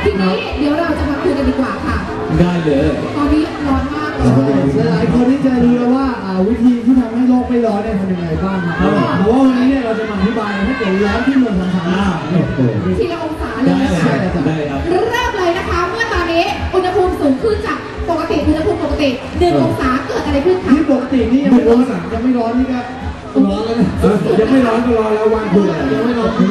ทีนี้เดี๋ยวเราจะมาคุยกันดีกว่าค่ะได้เลยตอนนี้ร้อนมากหลายคนที่จะรู้แล้วว่าวิธีที่ทำให้โลกไม่ร้อนเนี่ยทำยังไงบ้างครับเพราะว่าวันนี้เนี่ยเราจะมาอธิบายถ้าเกิดร้อนที่เมืองสามทีละองศาเลยนะคะเริ่มเลยนะคะเมื่อตอนนี้อุณหภูมิสูงขึ้นจากปกติอุณหภูมิปกติ1 องศาเกิดอะไรขึ้นคะที่ปกตินี่ยังไม่ร้อนยังไม่ร้อนนี่ก็ร้อนแล้วนะยังไม่ร้อนก็ร้อนแล้ววันคุณยังไม่ร้อน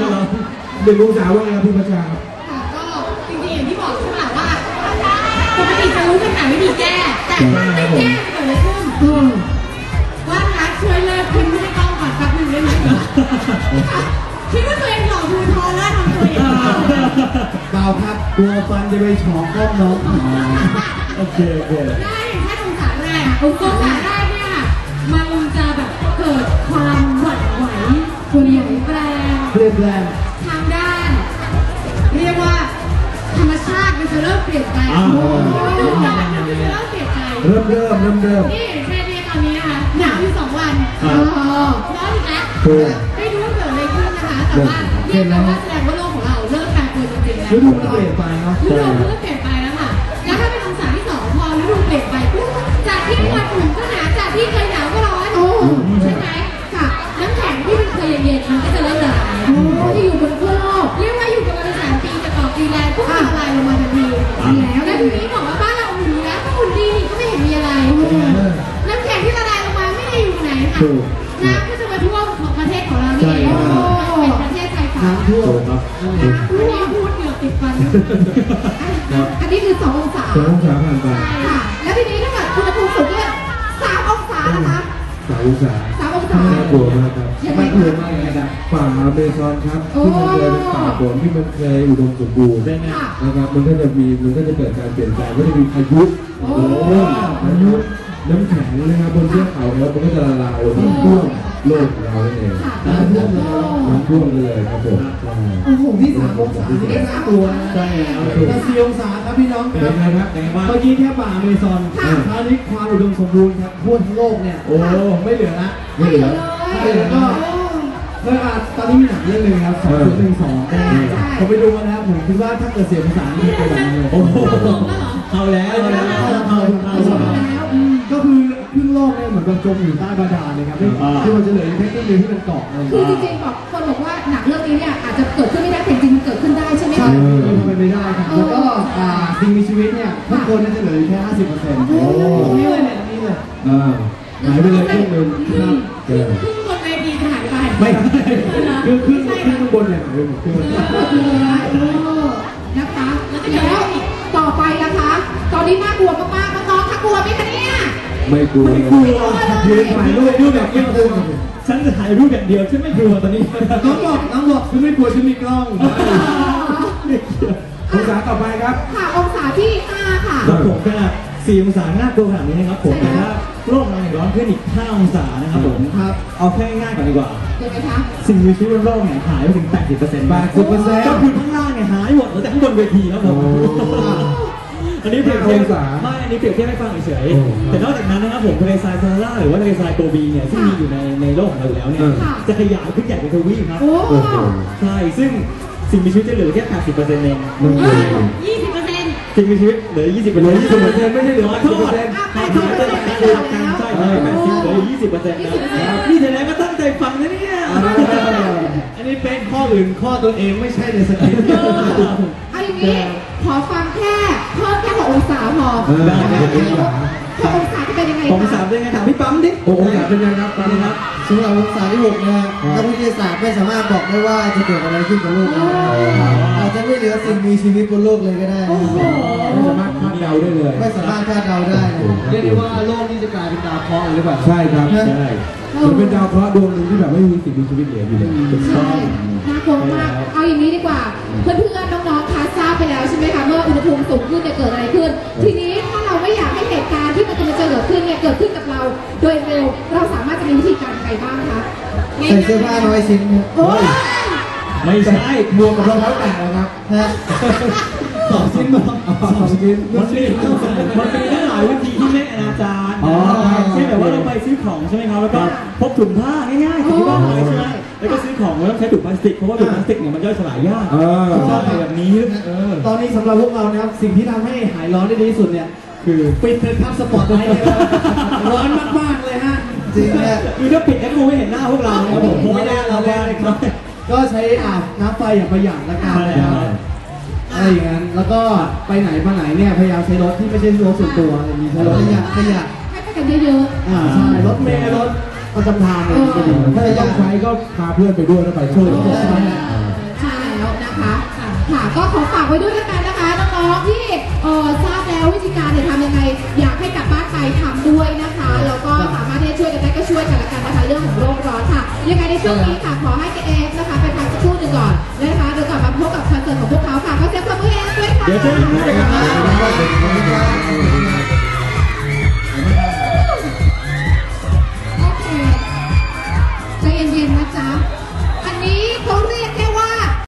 1 องศาว่าไงครับพี่ประชาครับก็จริงๆอย่างที่บอกใช่ไหมว่าปกติจะรู้ปัญหาวิธีแก้แต่ถ้าไม่แก้จะเกิดอะไรขึ้นว่ารักช่วยเลิกคุณไม่ต้องก่อนสักหนึ่งได้ไหมคิดว่าตัวเองหล่อดูทอแล้วทำตัวอย่างเปล่าครับกลัวฟันจะไปฉอกก้มน้องโอเคได้แค่องศาแรกองศาแรกเนี่ยมันจะแบบเกิดความหวั่นไหวเปลี่ยนแปลงทางด้านเรียกว่าธรรมชาติมันจะเริ่มเปลี่ยนแปลงดูการมันจะเริ่มเปลี่ยนแปลงเริ่มนี่แค่นี้ตอนนี้นะคะหนาวอยู่2 วันร้อนอีกแล้วไม่รู้ว่าเกิดอะไรขึ้นนะคะแต่ว่าเรียกได้ว่าแสดงว่าโลกของเราเริ่มแปรปรวนจริงๆแล้วฤดูมันเปลี่ยนไปเนาะฤดูมันเริ่มเปลี่ยนไปแล้วค่ะแล้วถ้าเป็นองศาที่2พอฤดูเปลี่ยนไปปุ๊บจากที่วันอุ่นก็หนาวจากที่เคยหนาวก็ร้อนใช่ไหมค่ะน้ำแข็งที่มันเคยเย็นๆมันก็จะเริ่มละลายที่อยู่บนขั้วโลกเรียกว่าอยู่กันมา3 ปีจะต่อปีแรงปุ๊บละลายลงมาทันทีแล้วทีนี้บอกว่าบ้านเราอุ่นแล้วก็อุ่นดีนี่ก็ไม่เห็นมีอะไรน้ำแข็งที่ละลายลงมาไม่ได้อยู่ไหนค่ะน้ำก็จะมาท่วมของประเทศของเรานี่เองเป็นประเทศชายฝั่งน้ำท่วมพูดเหนือติดฟันอันนี้คือ2 องศา 2 องศาผ่านไปค่ะแล้วทีนี้ถ้าเกิดอุณหภูมิสูงขึ้น3 องศานะคะ 3 องศาน่ากลัวมากครับน่ากลัวมากเลยนะป่าอเมซอนครับที่มันเคยเป็นป่าฝนที่มันเคยอุดมสมบูรณ์นะครับมันก็จะเกิดการเปลี่ยนแปลงก็จะมีพายุน้ำแข็งนะครับบนเทือกเขาแล้วมันก็จะละลายลงท่วมโลกของเราเองน้ำท่วมเลยครับผมที่3 องศานี่น่ากลัวใช่แล้วแต่4 องศาครับพี่น้องครับเมื่อกี้แค่ป่าอเมซอนคราวนี้ความอุดมสมบูรณ์ครับทั่วทั้งโลกเนี่ยโอ้ไม่เหลือละก็ตอนนี้มีหนังเรื่องนึงครับ2012ผมไปดูมาแล้วผมคิดว่าถ้าเกิดเสียภาษาอังกฤษเป็นแบบนี้โอ้โหเอาแล้วก็คือครึ่งโลกเนี่ยเหมือนกับจมอยู่ใต้บาดาลเลยครับที่มันจะเหลือแค่ครึ่งเดียวที่เป็นเกาะคือจริงๆบอกคนบอกว่าหนังเรื่องนี้เนี่ยอาจจะเกิดขึ้นไม่ได้แต่จริงมันเกิดขึ้นได้ใช่ไหมคะมันไม่ได้ครับแล้วก็สิ่งมีชีวิตเนี่ยทุกคนจะเหลือแค่ 50%นี่เลยแบบนี้เลยหายไปเลยครึ่งนึงครับครึ่งบนเวทีหายไปไม่คือครึ่งข้างบนเนี่ยหายไปหมดนะคะแล้วต่อไปนะคะตอนนี้น่ากลัวมากๆน้องๆถ้ากลัวไหมคะเนี่ยไม่กลัวยืนถ่ายรูปแบบไม่กลัวฉันจะถ่ายรูปอย่างเดียวฉันไม่กลัวตอนนี้น้องบอกฉันไม่กลัวฉันมีกล้ององศาต่อไปครับค่ะองศาที่5ค่ะครับผมขนาด4 องศาน่ากลัวขนาดนี้นะครับผมแต่ถ้าโลกเราร้อนขึ้นอีก5 องศานะครับผมเอาแค่ง่ายก่อนดีกว่ายังไงคะสิ่งมีชีวิตบนโลกเนี่ยหายไปถึง 80%ก็คือข้างล่างเนี่ยหายหมดแต่ข้างบนเวทีครับผมอันนี้เปรียบเทียบอันนี้เปรียบเทียบให้ฟังเฉยๆแต่นอกจากนั้นนะครับผมทะเลทรายซาฮาราหรือว่าทะเลทรายโกบีเนี่ยซึ่งมีอยู่ในโลกของเราอยู่แล้วเนี่ยจะขยายขึ้นใหญ่เป็นทวีปครับใช่ซึ่งสิ่งมีชีวิตจะเหลือแค่ 80% เองสิ่งมีชีวิตเหลือ 20% ไม่ใช่เหลือ 80%ใช่80เหลือ 20%นะนี่แสดงก็ตั้งใจฟังนะเนี่ยอันนี้เป็นข้ออื่นข้อตัวเองไม่ใช่ในสคริปต์เอาอย่างนี้ขอฟังแค่เพิ่มแค่6 องศาพอ6 องศาจะเป็นยังไง 6 องศาเป็นยังไงถามพี่ปั๊มดิ 6 องศาเป็นยังไงครับปั๊มครับสำหรับองศาที่6นะนักวิทยาศาสตร์ไม่สามารถบอกได้ว่าจะเกิดอะไรขึ้นกับโลกอาจจะไม่เหลือสิ่งมีชีวิตบนโลกเลยก็ได้ไม่สามารถคาดเดาได้เลยไม่สามารถคาดเดาได้เรียกได้ว่าโลกนี้จะกลายเป็นดาวเคราะห์หรือเปล่าใช่ครับใช่มันเป็นดาวเคราะห์ดวงหนึ่งที่แบบไม่มีสิ่งมีชีวิตเหลืออยู่เลยใช่น่ากลัวมากเอาอย่างนี้ดีกว่าเพื่อนๆน้องๆคะทราบไปแล้วใช่ไหมคะเมื่ออุณหภูมิสูงขึ้นจะเกิดอะไรขึ้นทีนี้ถ้าเราไม่อยากให้เหตุการณ์ที่มันจะเกิดขึ้นเนี่ยเกิดขึ้นกับเราโดยเร็วเราสามารถจะมีวิธีการใดบ้างคะใส่เสื้อผ้าน้อยชิ้นไม่ใช่บวกกับรองเท้าแตะนะครับ2 ชิ้น2 ชิ้นมันมีตั้งหลายวิธีที่ไม่อนาจารเช่นแบบว่าเราไปซื้อของใช่ไหมครับแล้วก็พกถุงผ้าง่ายๆที่บ้านเลยใช่ไหมไปแล้วก็ซื้อของไม่ต้องใช้ถุงพลาสติกเพราะว่าถุงพลาสติกเนี่ยมันย่อยสลายยากใช่แบบนี้ตอนนี้สำหรับพวกเรานะครับสิ่งที่ทำให้หายร้อนได้ดีที่สุดเนี่ยคือปิดเถอะครับสปอตไลท์เลยร้อนมากๆเลยฮะจริงเนี่ยคือถ้าปิดแล้วกูไม่เห็นหน้าพวกเราครับผมไม่ได้เราได้ครับก็ใช้น้ำไฟอย่างประหยัดละกันนะครับอะไรอย่างนั้นแล้วก็ไปไหนมาไหนเนี่ยพยายามใช้รถที่ไม่ใช่รถส่วนตัวมีใช้รถประหยัดให้ไปกันเยอะๆใช่รถเมล์รถประจำทางเลยถ้าจะต้องใช้ก็พาเพื่อนไปด้วยแล้วไปช่วยใช่แล้วนะคะค่ะก็ขอฝากไว้ด้วยกันนะคะน้องๆที่ทราบแล้ววิธีการเนี่ยทำยังไงอยากให้กลับบ้านไปทำด้วยนะคะแล้วก็สามารถที่จะช่วยกันได้ก็ช่วยกันละกันนะคะเรื่องของโลกร้อนค่ะยังไงในช่วงนี้ค่ะขอให้เอฟนะคะไปพักสักครู่หนึ่งก่อนนะคะเดี๋ยวกลับมาพบกับคอนเสิร์ตของพวกเขาค่ะก็เสียงปรบมือเอฟด้วยค่ะเดี๋ยวเจอกัน